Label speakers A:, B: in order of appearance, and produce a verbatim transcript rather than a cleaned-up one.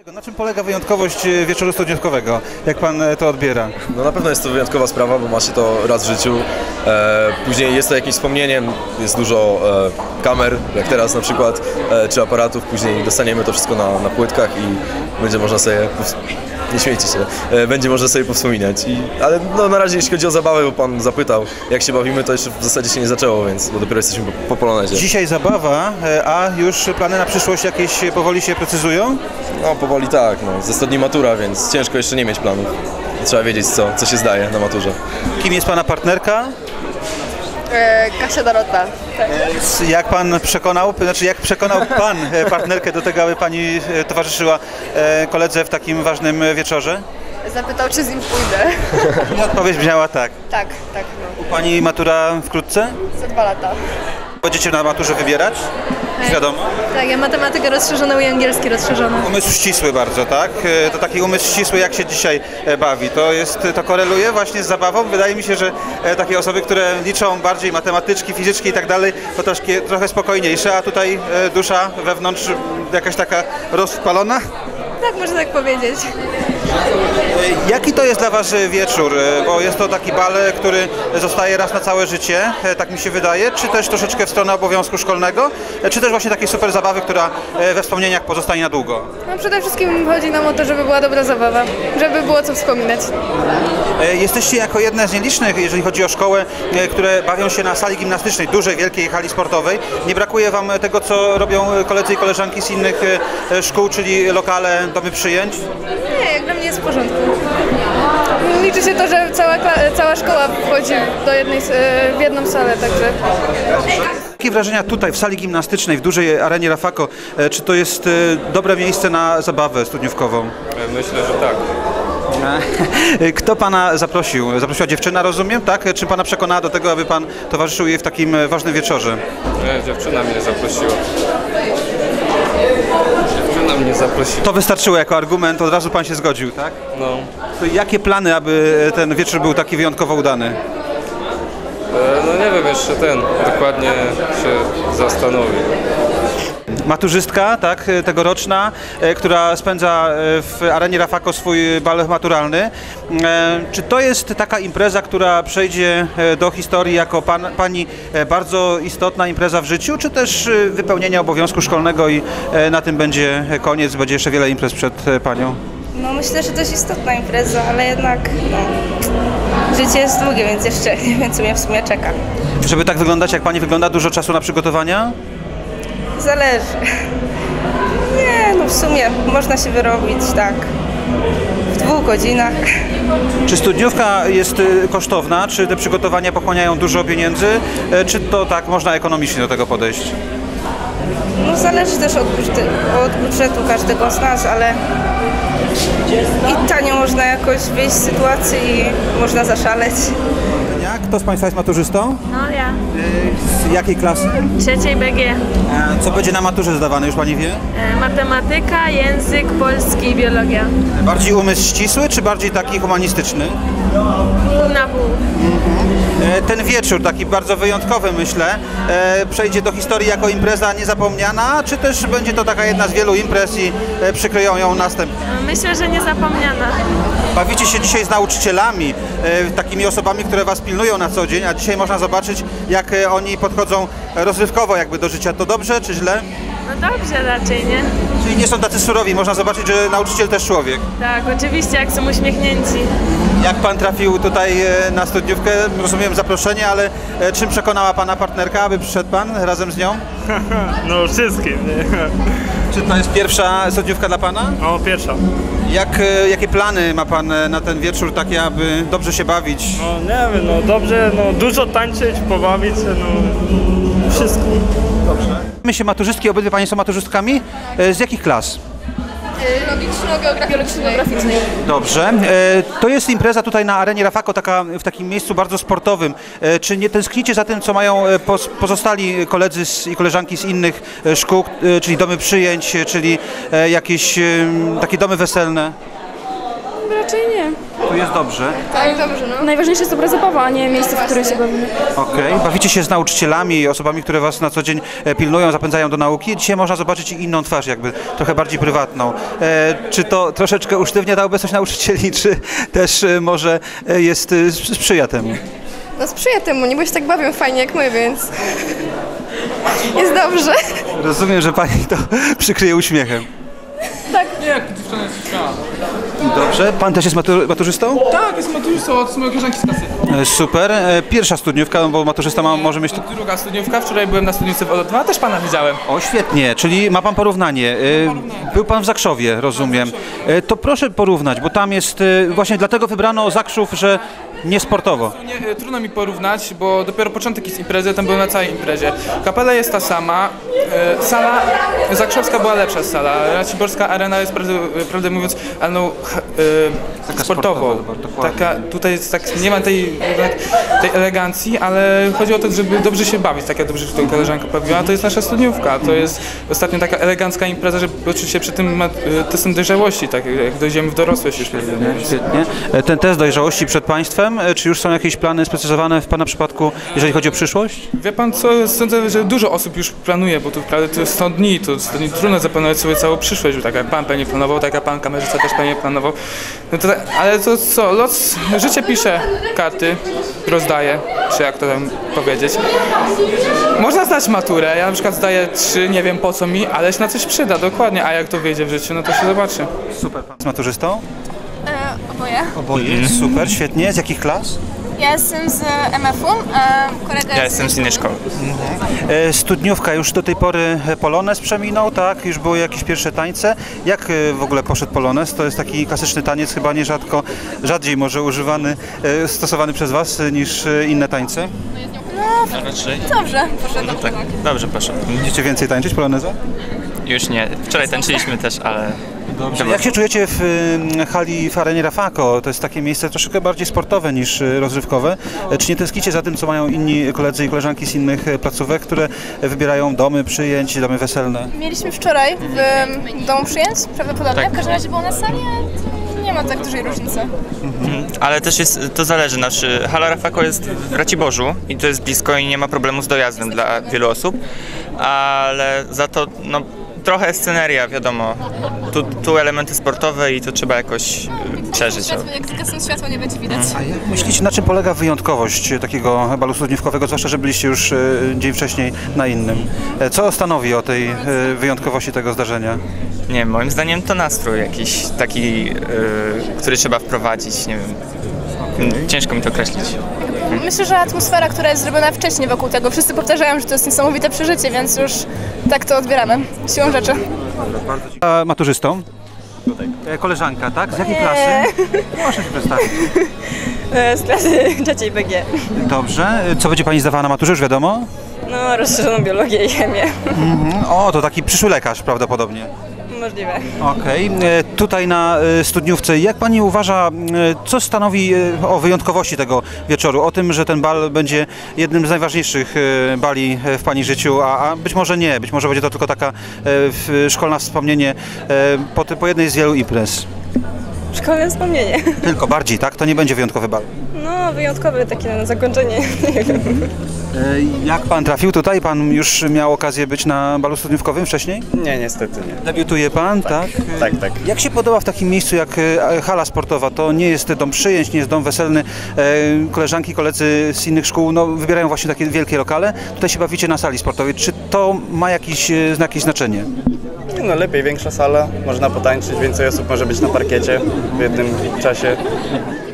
A: Na czym polega wyjątkowość wieczoru studniówkowego? Jak pan to odbiera?
B: No na pewno jest to wyjątkowa sprawa, bo ma się to raz w życiu. E, później jest to jakimś wspomnieniem, jest dużo e, kamer, jak teraz na przykład, e, czy aparatów. Później dostaniemy to wszystko na, na płytkach i będzie można sobie, nie śmiejcie się, e, będzie można sobie powspominać. I, ale no, na razie jeśli chodzi o zabawę, bo pan zapytał, jak się bawimy, to jeszcze w zasadzie się nie zaczęło, więc bo dopiero jesteśmy po, po polonezie.
A: Dzisiaj zabawa, a już plany na przyszłość jakieś powoli się precyzują?
B: No powoli tak, no. Ze sto dni matura, więc ciężko jeszcze nie mieć planów. Trzeba wiedzieć, co, co się zdaje na maturze.
A: Kim jest pana partnerka?
C: E, Kasia Dorota. Tak.
A: E, Jak pan przekonał, znaczy jak przekonał pan partnerkę do tego, aby pani towarzyszyła koledze w takim ważnym wieczorze?
C: Zapytał, czy z nim pójdę.
A: I odpowiedź brzmiała tak.
C: Tak, tak. No.
A: U pani matura wkrótce?
C: Za dwa lata.
A: Będziecie na maturze wybierać? Wiadomo.
D: Tak, ja matematykę rozszerzoną i angielski rozszerzoną.
A: Umysł ścisły bardzo, tak? To taki umysł ścisły, jak się dzisiaj bawi. To jest, to koreluje właśnie z zabawą. Wydaje mi się, że takie osoby, które liczą bardziej matematyczki, fizyczki i tak dalej, to troszkę, trochę spokojniejsze, a tutaj dusza wewnątrz jakaś taka rozpalona.
D: Tak, można tak powiedzieć.
A: Jaki to jest dla was wieczór? Bo jest to taki bal, który zostaje raz na całe życie, tak mi się wydaje, czy też troszeczkę w stronę obowiązku szkolnego, czy też właśnie takiej super zabawy, która we wspomnieniach pozostanie na długo?
D: No przede wszystkim chodzi nam o to, żeby była dobra zabawa, żeby było co wspominać.
A: Jesteście jako jedne z nielicznych, jeżeli chodzi o szkołę, które bawią się na sali gimnastycznej, dużej, wielkiej hali sportowej. Nie brakuje wam tego, co robią koledzy i koleżanki z innych szkół, czyli lokale, domy przyjęć?
D: Nie, jak dla mnie jest w porządku. Liczy się to, że cała, cała szkoła wchodzi do jednej, w jedną salę, także...
A: Jakie wrażenia tutaj w sali gimnastycznej, w dużej arenie Rafako? Czy to jest dobre miejsce na zabawę studniówkową?
E: Myślę, że tak.
A: Kto pana zaprosił? Zaprosiła dziewczyna, rozumiem, tak? Czy pana przekonała do tego, aby pan towarzyszył jej w takim ważnym wieczorze?
E: Nie, dziewczyna mnie zaprosiła. Dziewczyna mnie zaprosiła.
A: To wystarczyło jako argument, od razu pan się zgodził, tak?
E: No.
A: To jakie plany, aby ten wieczór był taki wyjątkowo udany?
E: E, no nie wiem, jeszcze ten, dokładnie się zastanowię.
A: Maturzystka, tak, tegoroczna, e, która spędza w arenie Rafako swój bal maturalny. E, czy to jest taka impreza, która przejdzie do historii jako pan, pani bardzo istotna impreza w życiu, czy też wypełnienia obowiązku szkolnego i e, na tym będzie koniec, będzie jeszcze wiele imprez przed panią?
F: No myślę, że dość istotna impreza, ale jednak no, życie jest długie, więc jeszcze nie wiem, co mnie w sumie czeka.
A: Żeby tak wyglądać, jak pani wygląda, dużo czasu na przygotowania?
F: Zależy. Nie, no w sumie można się wyrobić tak w dwóch godzinach.
A: Czy studniówka jest kosztowna? Czy te przygotowania pochłaniają dużo pieniędzy? Czy to tak można ekonomicznie do tego podejść?
F: No zależy też od, budżetu, od budżetu każdego z nas, ale i tanio można jakoś wyjść z sytuacji i można zaszaleć.
A: Kto z państwa jest maturzystą?
D: No ja.
A: Z jakiej klasy?
D: Trzeciej B G.
A: Co będzie na maturze zdawane, już pani wie?
D: E, matematyka, język polski i biologia.
A: Bardziej umysł ścisły, czy bardziej taki humanistyczny?
D: Pół na pół.
A: Ten wieczór, taki bardzo wyjątkowy, myślę, przejdzie do historii jako impreza niezapomniana, czy też będzie to taka jedna z wielu imprez i przykryją ją następnie?
D: Myślę, że niezapomniana.
A: Bawicie się dzisiaj z nauczycielami, takimi osobami, które was pilnują na co dzień, a dzisiaj można zobaczyć, jak oni podchodzą rozrywkowo jakby do życia. To dobrze, czy źle?
D: No dobrze raczej, nie?
A: Czyli nie są tacy surowi, można zobaczyć, że nauczyciel też człowiek.
D: Tak, oczywiście, jak są uśmiechnięci.
A: Jak pan trafił tutaj na studniówkę? Rozumiem zaproszenie, ale czym przekonała pana partnerka, aby przyszedł pan razem z nią?
G: No wszystkim, nie?
A: Czy to jest pierwsza studniówka dla pana?
G: No pierwsza.
A: Jak, jakie plany ma pan na ten wieczór, takie aby dobrze się bawić?
G: No nie wiem, no dobrze, no dużo tańczyć, pobawić się, no wszystko.
A: Dobrze. My się maturzystki, obydwie panie są maturzystkami. Z jakich klas?
C: Logiczno-geograficznej.
A: Dobrze. To jest impreza tutaj na arenie Rafako, taka, w takim miejscu bardzo sportowym. Czy nie tęsknicie za tym, co mają pozostali koledzy i koleżanki z innych szkół, czyli domy przyjęć, czyli jakieś takie domy weselne?
D: Raczej nie.
A: tu jest dobrze.
D: Tak, dobrze, no. Najważniejsze jest obraz zabawa, a nie miejsce, w którym się bawimy.
A: Okej. Bawicie się z nauczycielami i osobami, które was na co dzień e, pilnują, zapędzają do nauki. Dzisiaj można zobaczyć inną twarz, jakby trochę bardziej prywatną. E, czy to troszeczkę usztywnia ta obecność nauczycieli, czy też e, może e, jest e, sprzyja temu?
D: No sprzyja temu, nie bo się tak bawią fajnie jak my, więc jest dobrze.
A: Rozumiem, że pani to przykryje uśmiechem.
H: Nie, jak dziewczyna jest śmiała.
A: Dobrze. Pan też jest matur maturzystą?
H: Tak, jest maturzystą od mojej koleżanki z klasy.
A: E, super. E, pierwsza studniówka, no bo maturzysta ma, może mieć...
H: Druga studniówka, wczoraj byłem na studniówce w O dwa, też pana widziałem.
A: O, świetnie, czyli ma pan porównanie. E, Był pan w Zakrzowie, rozumiem. E, To proszę porównać, bo tam jest, e, właśnie dlatego wybrano Zakrzów, że nie sportowo.
H: Nie, e, trudno mi porównać, bo dopiero początek jest imprezy, tam byłem na całej imprezie. Kapela jest ta sama, e, sala zakrzowska była lepsza sala, Raciborska Arena jest prawdę, prawdę mówiąc, ale no, e, sportowo.
A: sportowa,
H: Taka, tutaj jest tak, nie ma tej, tej elegancji, ale chodzi o to, żeby dobrze się bawić, tak jak dobrze tutaj koleżanka powiedziała, to jest nasza studniówka, to jest ostatnio taka elegancka impreza, żeby poczuć się przy tym ma- testem dojrzałości, tak jak dojdziemy w dorosłość już. Nie?
A: Świetnie. E, Ten test dojrzałości przed państwem, e, czy już są jakieś plany sprecyzowane w pana przypadku, jeżeli chodzi o przyszłość?
H: Wie pan co, sądzę, że dużo osób już planuje, bo tu wprawdzie to jest sto dni, to sto dni trudno zaplanować sobie całą przyszłość, bo tak jak pan pewnie planował, tak jak pan kamerzysta też pewnie planował. No to, ale to co, los, życie pisze karty, rozdaje, czy jak to tam powiedzieć. Można zdać maturę, ja na przykład zdaję trzy, nie wiem po co mi, ale się na coś przyda, dokładnie, a jak to wyjdzie w życiu, no to się zobaczy.
A: Super. Pan jest maturzystą?
I: E, oboje.
A: Oboje. Super, świetnie. Z jakich klas?
I: Ja jestem z M F-u, e, kolega
J: Ja jestem z innej szkoły.
A: E, Studniówka już do tej pory Polonez przeminął, tak? Już były jakieś pierwsze tańce. Jak e, w ogóle poszedł Polonez? To jest taki klasyczny taniec, chyba nierzadko, rzadziej może używany, e, stosowany przez was e, niż e, inne tańce.
J: No, raczej.
I: Dobrze, poszedł.
J: No tak, dobrze poszło.
A: Będziecie więcej tańczyć Poloneza?
J: Już nie. Wczoraj tańczyliśmy też, ale... Dobrze.
A: Jak się czujecie w y, hali w arenie Rafako? To jest takie miejsce troszeczkę bardziej sportowe niż y, rozrywkowe. E, Czy nie tęsknicie za tym, co mają inni koledzy i koleżanki z innych e, placówek, które wybierają domy przyjęć, domy weselne?
D: Mieliśmy wczoraj w em, domu przyjęć, prawdopodobnie.
J: Tak.
D: W każdym razie było na sali, ale nie ma tak dużej różnicy.
J: Mhm. Ale też jest, to zależy, znaczy hala Rafako jest w Raciborzu i to jest blisko i nie ma problemu z dojazdem dla wielu osób, ale za to, no, trochę sceneria, wiadomo, tu, tu elementy sportowe i to trzeba jakoś y, przeżyć.
I: Światło, jak zgasną światło, nie będzie widać.
A: A jak myślicie, na czym polega wyjątkowość takiego balu studniówkowego, zwłaszcza, że byliście już e, dzień wcześniej na innym? E, Co stanowi o tej e, wyjątkowości tego zdarzenia?
J: Nie wiem, moim zdaniem to nastrój jakiś taki, y, który trzeba wprowadzić, nie wiem, ciężko mi to określić.
D: Myślę, że atmosfera, która jest zrobiona wcześniej wokół tego, wszyscy powtarzają, że to jest niesamowite przeżycie, więc już tak to odbieramy, siłą rzeczy.
A: A maturzystą? E, Koleżanka, tak? Z jakiej klasy? Proszę się przedstawić.
K: Z klasy trzeciej B G.
A: Dobrze. E, Co będzie pani zdawała na maturze, już wiadomo?
K: No, rozszerzoną biologię i chemię.
A: Mhm. O, to taki przyszły lekarz prawdopodobnie.
K: Możliwe.
A: Okej. E, Tutaj na e, studniówce, jak pani uważa, e, co stanowi e, o wyjątkowości tego wieczoru? O tym, że ten bal będzie jednym z najważniejszych e, bali e, w pani życiu, a, a być może nie, być może będzie to tylko taka e, w- szkolna wspomnienie e, po, ty- po jednej z wielu imprez.
K: Szkolne wspomnienie.
A: Tylko bardziej, tak? To nie będzie wyjątkowy bal.
K: No, wyjątkowe takie na zakończenie. Nie wiem.
A: E, Jak pan trafił tutaj? Pan już miał okazję być na balu studniówkowym wcześniej?
L: Nie, niestety nie.
A: Debiutuje pan, tak?
L: Tak, tak.
A: Jak się podoba w takim miejscu jak e, hala sportowa? To nie jest dom przyjęć, nie jest dom weselny. E, Koleżanki, koledzy z innych szkół no, wybierają właśnie takie wielkie lokale. Tutaj się bawicie na sali sportowej. Czy to ma jakieś, e, jakieś znaczenie?
L: No lepiej, większa sala, można potańczyć, więcej osób może być na parkiecie w jednym czasie.